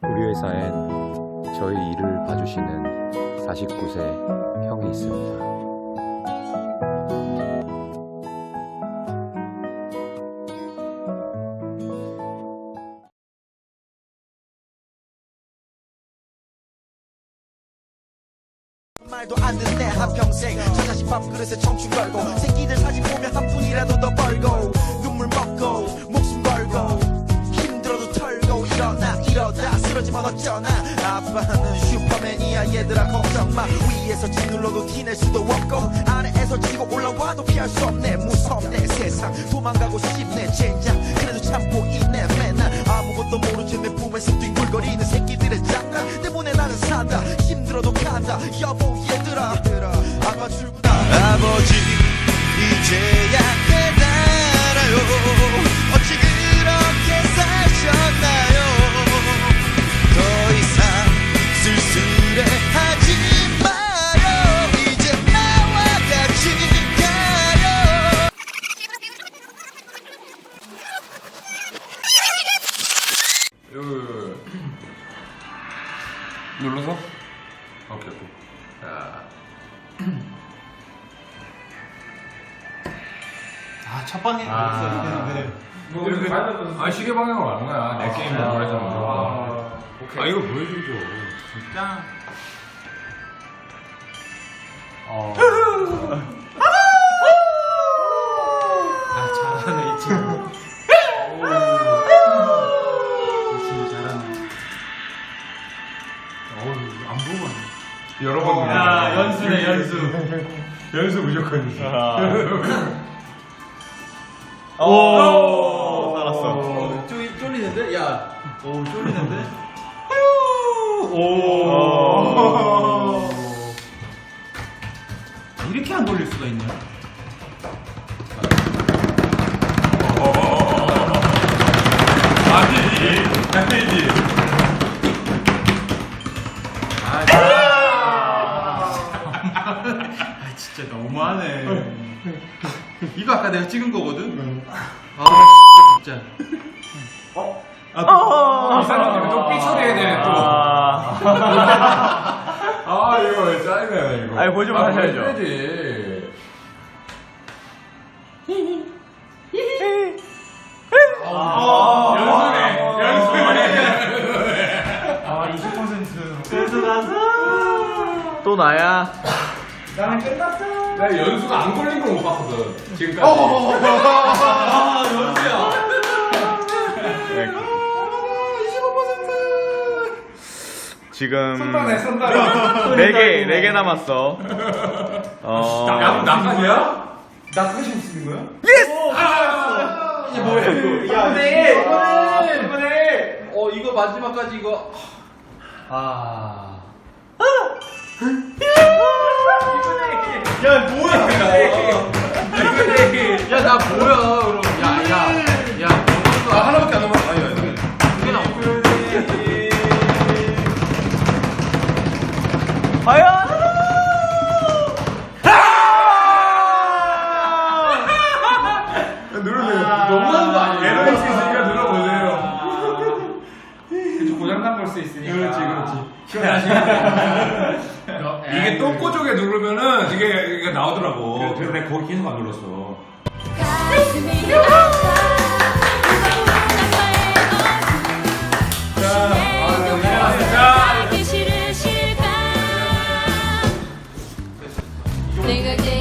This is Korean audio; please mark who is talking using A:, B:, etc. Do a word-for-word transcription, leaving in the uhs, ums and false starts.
A: 우리 회사엔 저희 일을 봐주시는 사십구 세 형이 있습니다.
B: 말도 안 듣는 내 한평생 저 자식 밥그릇에 청춘 걸고 새끼들 사진 보면 한 푼이라도 더 벌고 눈물 먹고 목숨 걸고 힘들어도 털고 일어나 이러다 쓰러지면 어쩌나 아빠는 슈퍼맨이야 얘들아 걱정마 위에서 짓눌러도 티낼 수도 없고 아래에서 지고 올라와도 피할 수 없네 무섭네 세상 도망가고 싶네 젠장 그래도 참고 있네 맨날 아무것도 모르지 내 품에서 뒹굴거리는 새끼들의 장난 때문에 나는 산다 힘들어도 간다 여보 얘들아 아빠 출근하 아버지 이제야 깨달아요 어찌 그렇게 사셨나요 더 이상 쓸쓸해하지 마요 이제 나와 같이 가요
C: 여기 눌러서? 오케이 오케이. 자.
D: 아, 첫 방에
C: 아.
D: 있었는데.
C: 뭐 이렇게 아 시계 방향으로 가는 거야. 내 게임 말하자면
D: 아,
C: 아 이거 보여주죠.
D: 짱. 어. 아, 잘하네, 이 친구. 이 친구 잘하네. 어우, 안 보고 하네.
C: 여러 번.
D: 야, 연수네, 연수.
C: 연수 무조건.
D: 오, 살았어. 쫄, 쫄리는데? 야, 오, 쫄리는데? 오. 이렇게 안 돌릴 수가 있네.
C: 아니지. 아니지.
D: 아, 진짜 너무하네. 이거 아까 내가 찍은 거거든? 아, 진짜. 어? 아,
C: 이 사람들이 또 삐처리해야 되네 또. 아 이거 왜 짜증나네 이거.
E: 아니, 보지 마, 하셔야죠.
C: 해야지.
D: 아,
C: 연수네. 연수네.
D: 아, 이십 퍼센트. 연수 가서.
E: 또 나야.
D: 나는 끝났어.
C: 나 연수가 안 걸린 걸 못 봤거든 지금까지.
D: 아, 연수야.
E: 지금
C: 선단해 선단해.
E: 네 개, 네 개 남았어. 어.
C: 나 나까지야?
D: 나까지 쓰는 거야?
C: 아,
D: 이게 뭐야, 이거. 야,
C: 이번에,
D: 이번에, 이번에. 어, 이거 마지막까지 이거. 아. 야, 뭐야, 이번에. 야, 나 뭐야, 그럼. 야, 야. 야,
C: 아 하나밖에 안 남았어. 아니 아니.
D: 두개 남았어.
E: 과연?
C: 누르세요.
D: 너무하는 거 아니에요?
C: 에러 있으니까 눌러보세요.
D: 그치, 고장난 걸 수 있으니까.
C: 그렇지 그렇지. 이게 똥꼬 쪽에 누르면은 이게, 이게 나오더라고. 그래서 내가 거기 계속 안 눌렀어.
F: 가슴이 아파
C: 자,
F: 알기 싫으실까 내가 제일